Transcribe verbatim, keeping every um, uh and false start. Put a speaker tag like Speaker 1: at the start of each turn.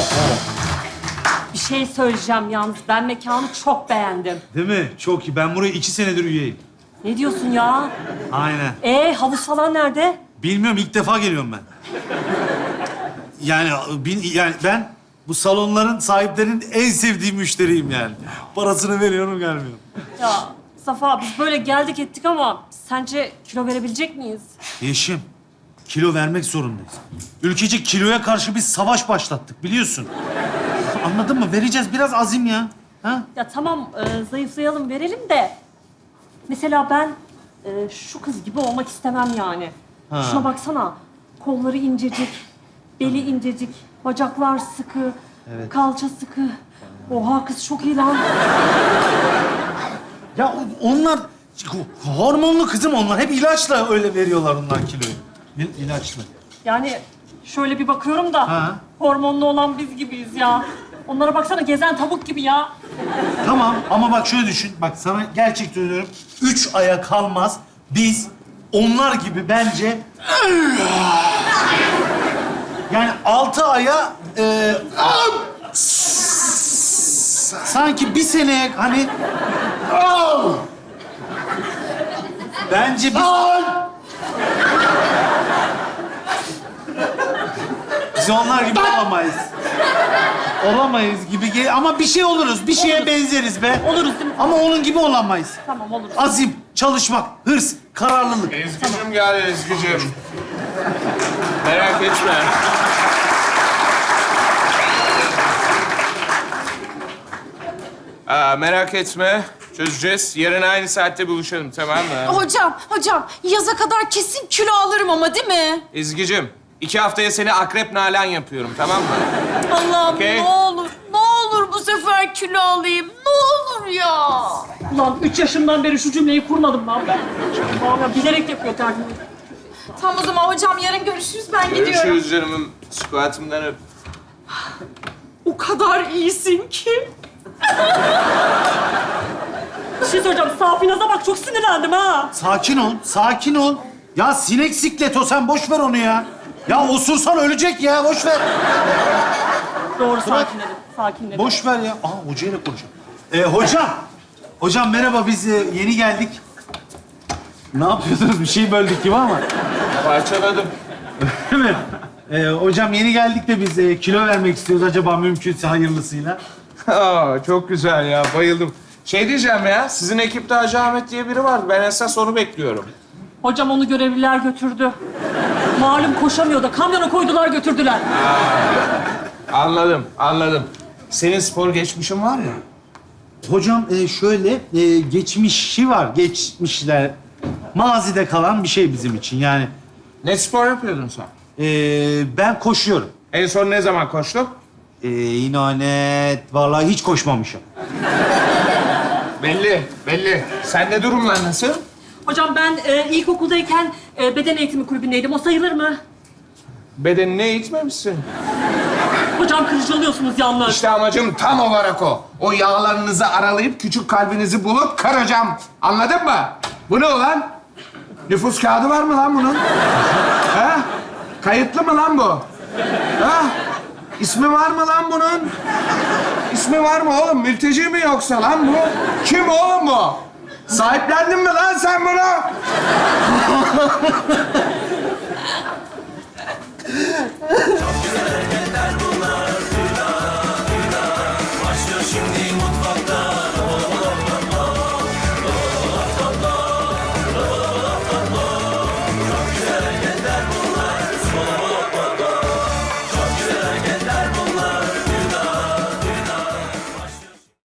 Speaker 1: Bir şey söyleyeceğim yalnız. Ben mekanı çok beğendim.
Speaker 2: Değil mi? Çok iyi. Ben buraya iki senedir üyeyim.
Speaker 1: Ne diyorsun ya?
Speaker 2: Aynen.
Speaker 1: Ee, havuz falan nerede?
Speaker 2: Bilmiyorum, ilk defa geliyorum ben. Yani, bin, yani ben bu salonların sahiplerinin en sevdiği müşteriyim yani. Parasını veriyorum, gelmiyorum.
Speaker 1: Ya Safa, biz böyle geldik ettik ama sence kilo verebilecek miyiz?
Speaker 2: Yeşim, kilo vermek zorundayız. Ülkecek kiloya karşı bir savaş başlattık, biliyorsun. Anladın mı? Vereceğiz, biraz azim ya. Ha?
Speaker 1: Ya tamam, e, zayıflayalım, verelim de... Mesela ben e, şu kız gibi olmak istemem yani.
Speaker 2: Ha.
Speaker 1: Şuna baksana, kolları incecik, beli incecik, bacaklar sıkı,
Speaker 2: Evet.
Speaker 1: kalça sıkı. Oha kız çok iyi lan.
Speaker 2: Ya o- onlar hormonlu kızım onlar. Hep ilaçla öyle veriyorlar onlar kiloyu. İl- İlaçla.
Speaker 1: Yani şöyle bir bakıyorum da
Speaker 2: Ha.
Speaker 1: hormonlu olan biz gibiyiz ya. Onlara baksana, gezen tavuk gibi ya.
Speaker 2: Tamam ama bak şöyle düşün. Bak sana gerçek söylüyorum. Üç aya kalmaz biz onlar gibi bence... Yani altı aya... E, sanki bir seneye hani... Bence biz... Biz onlar gibi olamayız. Olamayız gibi gel ama bir şey oluruz. Bir şeye
Speaker 1: Oluruz.
Speaker 2: benzeriz be.
Speaker 1: Oluruz değil mi?
Speaker 2: Ama onun gibi olamayız.
Speaker 1: Tamam, oluruz.
Speaker 2: Azim, çalışmak, hırs, kararlılık.
Speaker 3: Ezgi'cim geldi Ezgi'cim. Merak etme. Aa, merak etme. Çözeceğiz. Yarın aynı saatte buluşalım, tamam mı?
Speaker 4: Hocam, hocam yaza kadar kesin kilo alırım ama değil mi?
Speaker 3: Ezgi'cim, iki haftaya seni akrep nalan yapıyorum, tamam mı?
Speaker 4: Allah'ım
Speaker 3: Okey.
Speaker 4: ne olur, ne olur bu sefer kilo alayım. Ne olur ya.
Speaker 1: Ulan üç yaşımdan beri şu cümleyi kurmadım lan ben. Vallahi bilerek yapıyor terbiye.
Speaker 4: Tamam o zaman hocam yarın görüşürüz. Ben gidiyorum.
Speaker 3: Görüşürüz canımım. Squat'ımdan öp.
Speaker 4: O kadar iyisin ki.
Speaker 1: Bir şey söyleyeceğim. Safinaz'a bak, çok sinirlendim ha.
Speaker 2: Sakin ol, sakin ol. Ya sinek siklet o, sen boş ver onu ya. Ya osursan ölecek ya, boş ver.
Speaker 1: Doğru, sakinledim. Sakinledim.
Speaker 2: Boş ver ya. Aa, hocayla konuşalım. Ee, hocam, hocam merhaba, biz e, yeni geldik. Ne yapıyorsunuz? Bir şey böldük gibi ama.
Speaker 3: Parçaladım.
Speaker 2: Değil mi? Ee, hocam yeni geldik de biz e, kilo vermek istiyoruz. Acaba mümkünse hayırlısıyla.
Speaker 3: Aa, çok güzel ya, bayıldım. Şey diyeceğim ya, sizin ekipte Hacı Ahmet diye biri vardı. Ben esas onu bekliyorum.
Speaker 1: Hocam onu görevliler götürdü. Malum koşamıyor da kamyona koydular götürdüler.
Speaker 3: Anladım, anladım. Senin spor geçmişin var ya.
Speaker 2: Hocam e, şöyle, e, geçmişi var. Geçmişler, mazide kalan bir şey bizim için. Yani
Speaker 3: Ne spor yapıyordun sen?
Speaker 2: e, ben koşuyorum.
Speaker 3: En son ne zaman koştun?
Speaker 2: E, inanet, vallahi hiç koşmamışım.
Speaker 3: Belli, belli. Sende durumlar nasıl?
Speaker 1: Hocam ben e, ilkokuldayken e, beden eğitimi kulübündeydim. O sayılır mı?
Speaker 3: Bedenini eğitmemişsin.
Speaker 1: Hocam kırıcılıyorsunuz yalnız.
Speaker 3: İşte amacım tam olarak o. O yağlarınızı aralayıp küçük kalbinizi bulup kıracağım. Anladın mı? Bu ne ulan? Nüfus kağıdı var mı lan bunun? Ha? Kayıtlı mı lan bu? Ha? İsmi var mı lan bunun? İsmi var mı oğlum? Mülteci mi yoksa lan bu? Kim oğlum bu? Sahiplendin mi lan sen bunu?